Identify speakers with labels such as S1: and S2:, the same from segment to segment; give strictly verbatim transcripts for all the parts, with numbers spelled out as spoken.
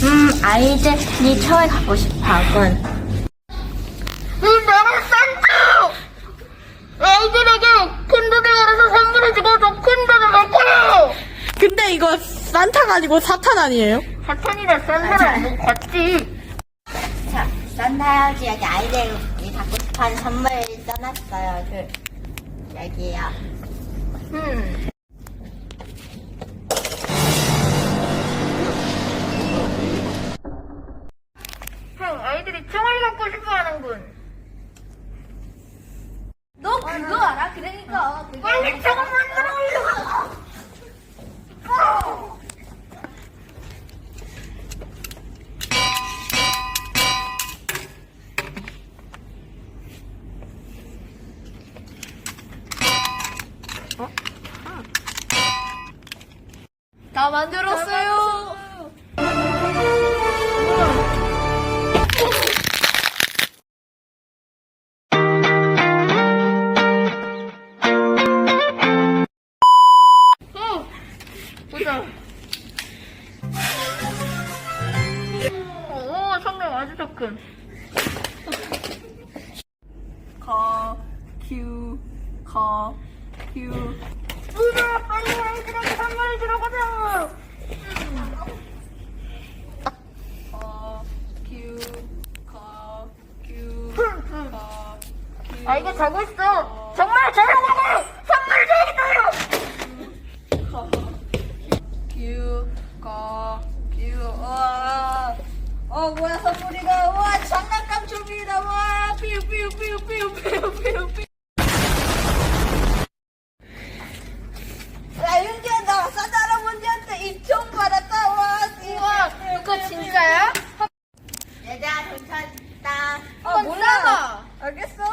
S1: 음, 아이들이 처에 가고 싶어 하군.
S2: 이 나라 산타! 아이들에게 큰 돈을 벌어서 선물을 주고 더 큰 돈을 낼 거예요!
S3: 근데 이거 산타가 아니고 사탄 아니에요?
S2: 사탄이라 산타랑 뭐 같지?
S1: 자, 산타 아버지 여기 아이들이 갖고 싶어하는 선물 써놨어요. 그, 여기요.
S2: 음. 형, 아이들이 총을 갖고 싶어 하는군.
S1: 너 그거 알아? 그러니까. 그게
S2: 빨리 총을 만들어!
S3: 다 만들었어요.
S2: 보자. 오, 성능 아주 좋군.
S3: 거, 큐, 거, 큐.
S2: 우와, 빨리 아이들에게 선물을 주러 가자!
S3: 거, 큐, 거, 큐, 거, 큐.
S2: 아, 이게 자고 있어. 정말 잘하고 선물을 줘야겠어요!
S3: 큐, 거, 큐. 우와. 어, 뭐야, 선물이가. 우와, 장난감 준비다. 와, 삐우, 삐우, 삐우, 삐우, 삐우, 삐우, 삐우. 야, 윤지야, 나 산타 할아버지한테 이 총 받았다. 와,
S2: 우와, 이거 진짜야?
S1: 얘들아, 돈 찾았다.
S3: 아, 몰라. 알겠어.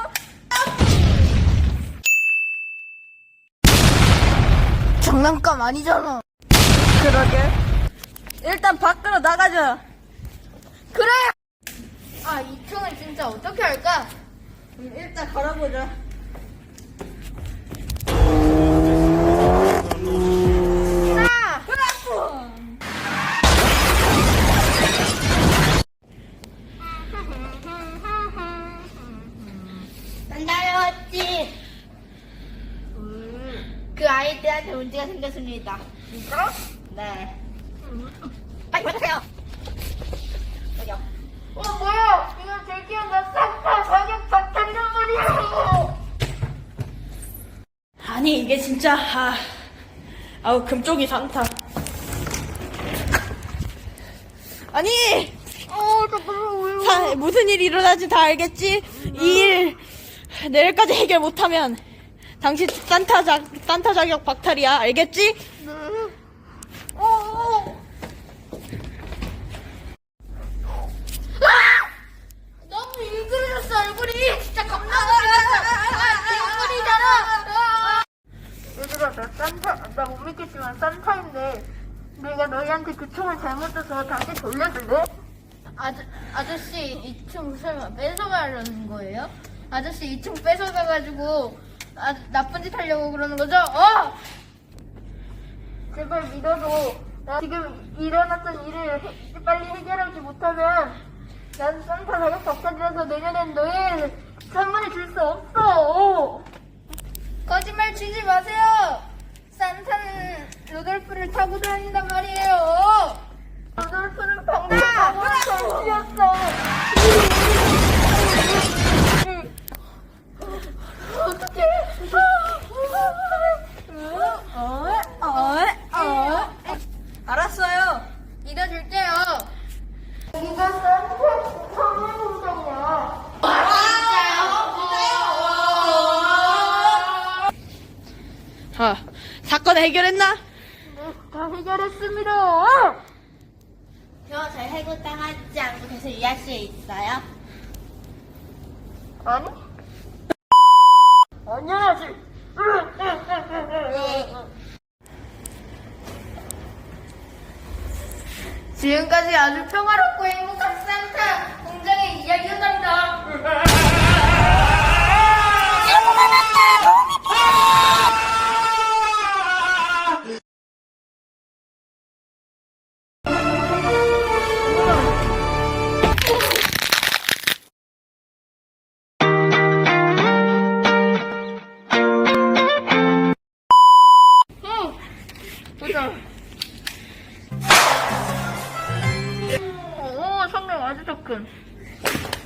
S3: 장난감 아니잖아. 그러게. 일단 밖으로 나가자.
S2: 그래! 아, 이 총을 진짜 어떻게 할까?
S3: 음, 일단 걸어보자.
S2: 아!
S1: 산타였지. 그 아이들한테 문제가 생겼습니다.
S2: 진짜?
S1: 네. 빨리 받으세요. 여기요.
S2: 어, 뭐야! 이거 드디어 나 산타 자격 박탈이란 말이야!
S3: 아니 이게 진짜 아, 아우 금쪽이 산타. 아니
S2: 어, 잠깐만, 왜요?
S3: 사, 무슨 일이 일어나지 다 알겠지? 이 일 내일까지 해결 못하면 당신 산타 자, 산타 자격 박탈이야. 알겠지?
S2: 네. 어, 어. 아! 너무 일그러졌어, 얼굴이! 진짜 겁나 얼굴이잖아! 얘들아, 나 산타, 나 못 믿겠지만 산타인데 내가 너희한테 그 총을 잘못 줘서 다시 돌려줄래?
S4: 아저, 아저씨 이 총 설마 뺏어가려는 거예요? 아저씨 이 총 뺏어가가지고 아, 나쁜 짓 하려고 그러는 거죠? 어!
S2: 제발 믿어줘. 나 지금 일어났던 일을 해- 빨리 해결하지 못하면 난 산타 자격 박탈이라서 내년엔 너희 선물을 줄 수 없어.
S4: 거짓말 치지 마세요! 산타는 루돌프를 타고 다닌단 말이에요!
S2: 루돌프는 방금 정치였어. 어떡해.
S3: 어, 어, 어. 알았어요.
S4: 믿어줄게요!
S2: 이거 산타 선물 공장이야.
S3: 아, 사건 해결했나?
S2: 네, 다 해결했습니다.
S1: 저, 저 해고당하지 않고 계속 이 아씨에 있어요?
S2: 아니? 안녕하지.
S4: 지금까지 아주 평화롭고 행복한 산타 공장의 이야기였답니다.
S3: 네.